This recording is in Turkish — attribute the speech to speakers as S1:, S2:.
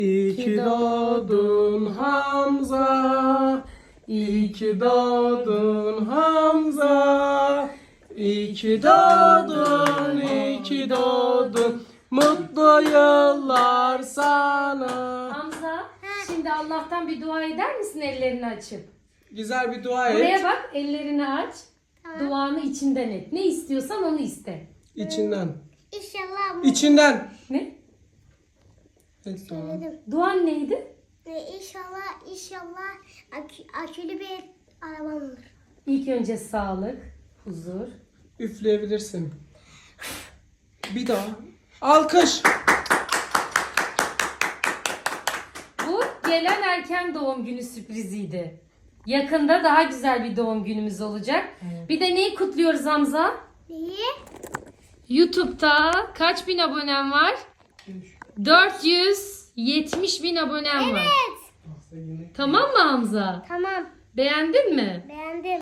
S1: İyi ki doğdun Hamza. İyi ki doğdun Hamza. İyi ki doğdun, iyi ki doğdun. Mutlu yıllar sana.
S2: Hamza, şimdi Allah'tan bir dua eder misin ellerini açıp?
S1: Güzel bir dua et.
S2: Buraya bak, ellerini aç. Duanı içinden et. Ne istiyorsan onu iste.
S1: İçinden.
S3: İnşallah.
S1: İçinden.
S2: Ne?
S1: Evet, tamam.
S2: Duan neydi?
S3: İnşallah akülü bir arabam olur.
S2: İlk önce sağlık, huzur.
S1: Üfleyebilirsin. Bir daha. Alkış.
S2: Bu gelen erken doğum günü sürpriziydi. Yakında daha güzel bir doğum günümüz olacak. Bir de neyi kutluyoruz Hamza?
S3: Neyi?
S2: YouTube'da kaç bin abonem var? 470 bin abonem var. Tamam mı Hamza?
S3: Tamam.
S2: Beğendin mi?
S3: Beğendim.